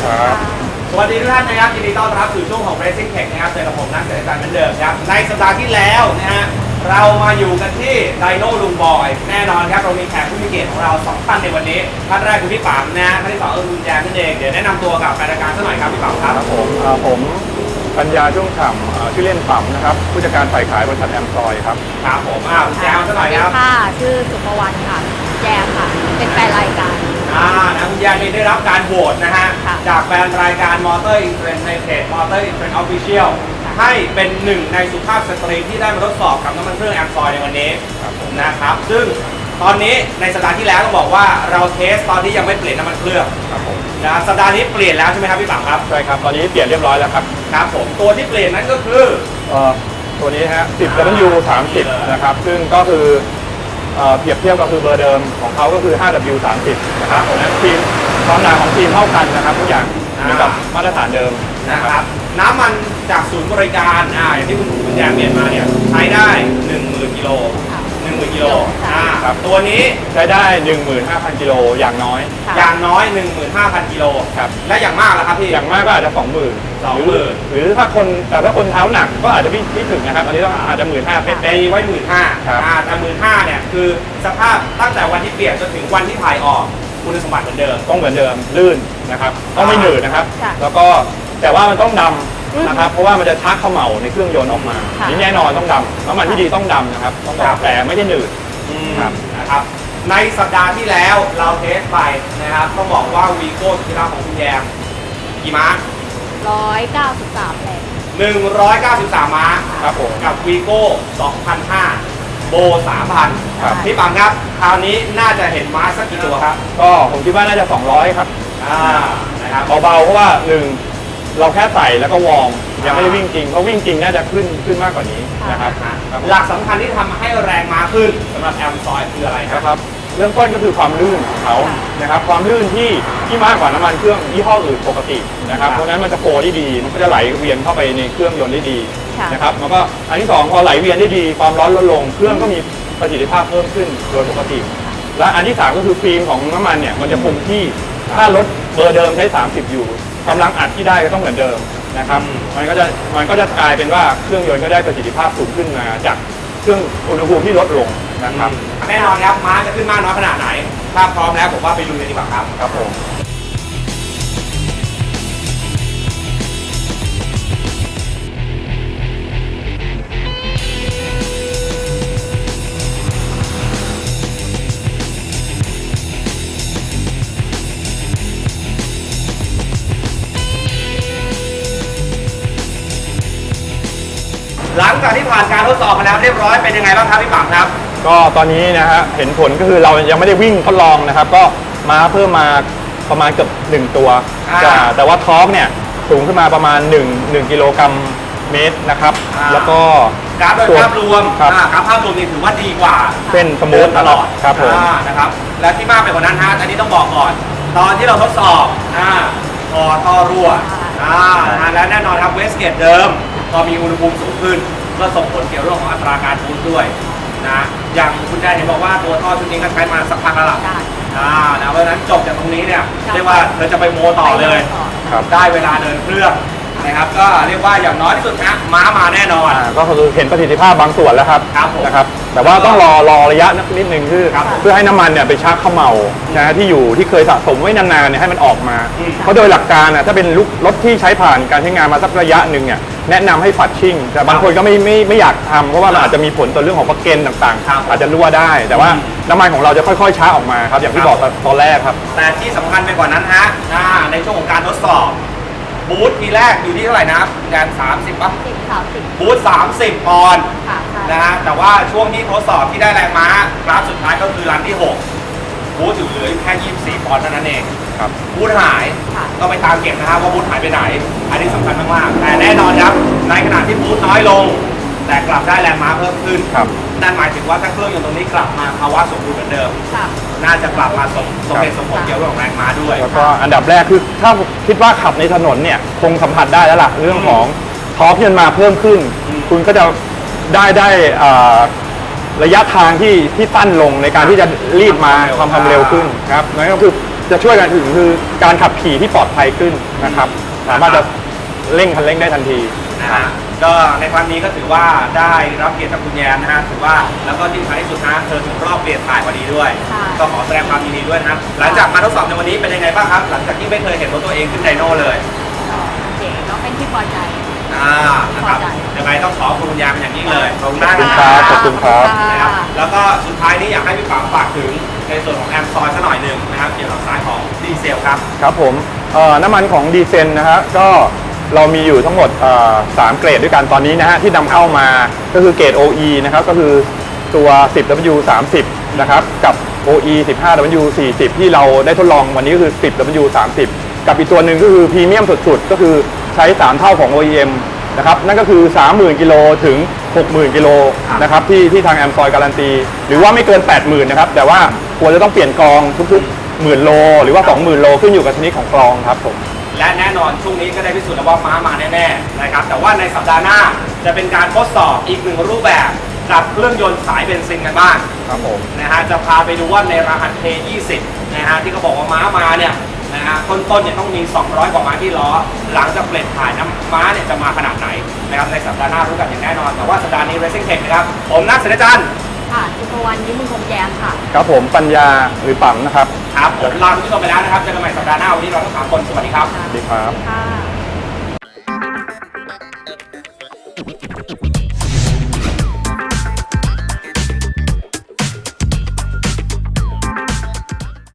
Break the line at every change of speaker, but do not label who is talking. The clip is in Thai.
ครับ
สวัสดีทุกท่านนะครับยินดีต้อนรับสู่ช่วงของ Racing Tech นะครับเจอกับผมนักเศรษฐศาสตร์เหมือนเดิมครับในสัปดาห์ที่แล้วนะฮะเรามาอยู่กันที่ไดโน่ลุงบอยแน่นอนครับเรามีแขกผู้มีเกียรติของเรา2ท่านในวันนี้ท่านแรกคือพี่ป๋ามนะท่านที่2คือคุณแจมนั่นเองเดี๋ยวแนะนำตัวกับแฟนรายการสักหน่อยครับพี่ป๋ามครับ
ผมปัญญาช่วงฉ่ำชื่อเล่นป๋มนะครับผู้จัดการฝ่ายขายบริษัทแอมซอยครับ
ครับผมคุณแจมสักหน่อยครับ
ค่ะชื่อสุภวรรณค่ะแจมค่ะเป็นแฟนรายการ
นะคุณแจมได้รับการโหวตนะฮะจากแฟนรายการมอเตอร์อินเทรนด์ในเพจมอเตอร์อินเทรนด์ออฟฟิเชียลให้เป็นหนึ่งในสุภาพสตรีที่ได้มาทดสอบกับน้ำมันเครื่องแอมซอยในวันนี้นะครับซึ่งตอนนี้ในสัปดาห์ที่แล้วต้องบอกว่าเราเทสตอนที่ยังไม่เปลี่ยนน้ำมันเครื่องนะสัปดาห์นี้เปลี่ยนแล้วใช่ไหมครับพี่ป๋ามครับ
ใช่ครับตอนนี้เปลี่ยนเรียบร้อยแล้วครับ
ครับผมตัวที่เปลี่ยนนั้นก็คือ
ตัวนี้ฮะ 10W30 นะครับซึ่งก็คือเปรียบเทียบก็คือเบอร์เดิมของเขาก็คือ 5W30 นะครับทีมความหนาของทีมเท่ากันนะครับทุกอย่างเหมือนกับมาตรฐานเดิม
นะครับน้ำมันจากศูนย์บริการอย่างที่คุณแจมเปลี่ยนมาเนี่ยใช้ได้ 10,000 กิโล10,000 กิโล
ครับ
ตัวนี้
ใช้ได้ 15,000 กิโลอย่างน้อย
15,000 กิโล
ครับ
และอย่างมากล่ะครับพี่
อย่างมากก็อาจจะ 20,000 หรือถ้าคนเท้าหนักก็อาจจะไม่ถึงนะครับอันนี้ต้องอาจจะ 15,000
เป็นไว้ 15,000แต่15,000เนี่ยคือสภาพตั้งแต่วันที่เปลี่ยนจนถึงวันที่ถ่ายออกคุณสมบัติเหมือนเดิม
ต้องเหมือนเดิมลื่นนะครับต้องไม่หนืดนะครับแล้วก็แต่ว่ามันต้องดำนะครับเพราะว่ามันจะชักเขม่าในเครื่องยนต์ออกมานี่แน่นอนต้องดำน้ำมันที่ดีต้องดำนะครับต้องดำแต่ไม่ได้หนืด
นะครับในสัปดาห์ที่แล้วเราเทสไปนะครับต้องบอกว่าวีโก้สุดที่รักของคุณแยมกี่ม้า
193แรง
193 ม้า
ครับผม
กับวีโก้2005โบ 3,000พี่ปังครับคราวนี้น่าจะเห็นม้าสักกี่ตัวครับ
ก็ผมคิดว่าน่าจะ200ครับ
นะครับ
เบาๆเพราะว่า1เราแค่ใส่แล้วก็วอร์มยังไม่ได้วิ่งจริงเพราะวิ่งจริงน่าจะขึ้นมากกว่านี้นะครับ
หลักสำคัญที่ทำให้แรงม้าขึ้นสำหรับแอมซอยคืออะไร
ครับเรื่องต้นก็คือความลื่นของเขานะครับความลื่นที่มากกว่าน้ำมันเครื่องยี่ห้ออื่นปกตินะครับเพราะฉะนั้นมันจะโฟได้ดีมันก็จะไหลเวียนเข้าไปในเครื่องยนต์ได้ดีนะครับแล้วก็อันที่2พอไหลเวียนได้ดีความร้อนลดลงเครื่องก็มีประสิทธิภาพเพิ่มขึ้นโดยปกติและอันที่3ก็คือฟิล์มของน้ำมันเนี่ยมันจะคงที่ถ้ารถเบอร์เดิมใช้30อยู่กำลังอัดที่ได้ก็ต้องเหมือนเดิมนะครับมันก็จะกลายเป็นว่าเครื่องยนต์ก็ได้ประสิทธิภาพสูงขึ้นมาจากเครื่องอุณหภูมิที่ลดลงนะครับ
แน่นอนครับม้าจะขึ้นมากน้อยขนาดไหนถ้าพร้อมแล้วผมว่าไปดูกันดีกว่าครับ
ครับผม
หลังจากที่ผ่านการทดสอบมาแล้วเรียบร้อยเป็นยังไงบ้างครับพี่ปังครับ
ก็ตอนนี้นะฮะเห็นผลก็คือเรายังไม่ได้วิ่งทดลองนะครับก็ม้าเพิ่มมาประมาณเกือบ1ตัวแต่ว่าทอร์กเนี่ยสูงขึ้นมาประมาณ1กิโลกรัมเมตรนะครับแล้วก็
กราฟโดยภาพรวมกราฟภาพรวมนี่ถือว่าดีกว่า
เส้นสมูท
ตลอด
ครับผม
นะครับและที่มากไปกว่านั้นฮะอันนี้ต้องบอกก่อนตอนที่เราทดสอบท่อรั่วและแน่นอนครับเวสเกตเดิมพอมีอุณหภูมิสูงขึ้นก็ส่งผลเกี่ยวกับเรื่องของอัตราการบูสต์ด้วยนะอย่างคุณแดนเห็นบอกว่าตัวท่อชุดนี้ก็ใช้มาสักพักแล้วล่ะนะเพราะฉะนั้นจบจากตรงนี้เนี่ยเรียกว่าเธอจะไปโมต่อเลยได้เวลาเดินเครื่องนะครับก็เรียกว่าอย่างน้อยที่สุดนะม้ามาแน่นอน
ก็คือเห็นประสิทธิภาพบางส่วนแล้วครับนะครับแต่ว่าต้องรอระยะนิดนึงคือเพื่อให้น้ำมันเนี่ยไปชักเขม่านะที่เคยสะสมไว้นานๆเนี่ยให้มันออกมาเพราะโดยหลักการนะถ้าเป็นรถที่ใช้ผ่านการใช้งานมาสักระยะหนึ่งเนี่ยแนะนำให้ฝัดชิ่งแต่บางคนก็ไม่อยากทำเพราะว่ามันอาจจะมีผลต่อเรื่องของปลั๊กเกนต่างๆอาจจะรั่วได้แต่ว่าน้ำมันของเราจะค่อยๆช้าออกมาครับอย่างที่บอกตอนแรกครับ
แต่ที่สำคัญไปกว่านั้นฮะในช่วงของการทดสอบบูธทีแรกอยู่ที่เท่าไหร่นะแกน30ป่ะบูธ30 ปอนด์นะฮะแต่ว่าช่วงที่ทดสอบที่ได้แรงม้ากราฟสุดท้ายก็คือรันที่6บูธอยู่เหลือแค่24 ปอนด์เท่านั้นเองบูธหายต้องไปตามเก็บนะครับว่าบูธหายไปไหนอันนี้สำคัญมากๆแต่แน่นอนครับในขณะที่บูธน้อยลงแต่กลับได้แรงม้าเพิ่มขึ้นนั่นหมายถึงว่าถ้าเครื่องยนต์ตรงนี้กลับมาภาวะสมดุลเหมือนเดิมน่าจะกลับมาสมเหตุสมผลเกี่ยวกับแรงม้าด้วย
แล้วก็อันดับแรกคือถ้าคิดว่าขับในถนนเนี่ยคงสัมผัสได้แล้วล่ะเรื่องของทอร์กที่มันมาเพิ่มขึ้นคุณก็จะได้ระยะทางที่สั้นลงในการที่จะรีบมาความเร็วขึ้นครับนั่นก็คือจะช่วยกันถึงคือการขับขี่ที่ปลอดภัยขึ้นนะครับสามารถจะเร่งคันเร่งได้ทันที
นะฮะก็ในครั้งนี้ก็ถือว่าได้รับเกียรติจากคุณแยมนะฮะถือว่าแล้วก็ที่สำคัญที่สุดนะเธอถึงรอบเปลี่ยนถ่ายพอดีด้วย ก็ขอแสดงความยินดีด้วยนะครับหลังจากมาทดสอบในวันนี้เป็นยังไงบ้างครับ หลังจากที่ไม่เคยเห็นรถตัวเองขึ้นไดโน่เลย
โอเคก็เป็นที่พอใจ
นะครับยังไงต้องขอบคุณคุณแยมเป็นอย่างยิ่งเลยขอบคุณมาก
ขอบคุณครับ
นะครับแล้วก็สุดท้ายนี้อยากให้พี่ป๋าฝากถึงในส่วนของแอมซอยสักหน่อยหนึ่งนะครับเกี่ยวกับสายของดีเซลครับ
ครับผมน้ำมันของดีเซลนะฮะก็เรามีอยู่ทั้งหมด3เกรดด้วยกันตอนนี้นะฮะที่นำเข้ามาก็คือเกรด OE นะครับก็คือตัว 10W30 นะครับกับ OE 15W40 ที่เราได้ทดลองวันนี้ก็คือ 10W30 กับอีกตัวหนึ่งก็คือพรีเมียมสุดๆก็คือใช้3เท่าของ OEM นะครับนั่นก็คือ 30,000 กิโลถึง 60,000 กิโลนะครับที่ทางแอมซอยการันตีหรือว่าไม่เกิน 80,000 นะครับแต่ว่าควรจะต้องเปลี่ยนกรองทุกๆ 10,000 โลหรือว่า 20,000 โลขึ้นอยู่กับชนิดของกรองครับผม
และแน่นอนช่วงนี้ก็ได้พิสูจน์แล้วว่าม้ามาแน่ๆนะครับแต่ว่าในสัปดาห์หน้าจะเป็นการทดสอบอีกหนึ่งรูปแบบกับเครื่องยนต์สายเบนซินกันบ้าง
ครับผม
นะฮะจะพาไปดูว่าในรหัส K20 นะฮะที่เขาบอกว่าม้ามาเนี่ยนะฮะต้นๆเนี่ยต้องมี 200 กว่าม้าที่ล้อหลังจากเปลี่ยนถ่ายน้ำม้าเนี่ยจะมาขนาดไหนนะครับในสัปดาห์หน้ารู้กันอย่างแน่นอนแต่ว่าสัปดาห์นี้ Racing Tech นะครับผมนักเสนจันทร์
ค่ะสุภวรรณยิ้มมุงคงแย้มค่ะ
ครับผมปัญญาหรือปั๊มนะครับ
ครับผมลาคุณผู้ชมไปแล้วนะครับเจอกันใหม่สัปดาห์หน้าวันนี้เราทั้ง3คนสวัสดีครับ
สวัสดีครับ
ค่ะ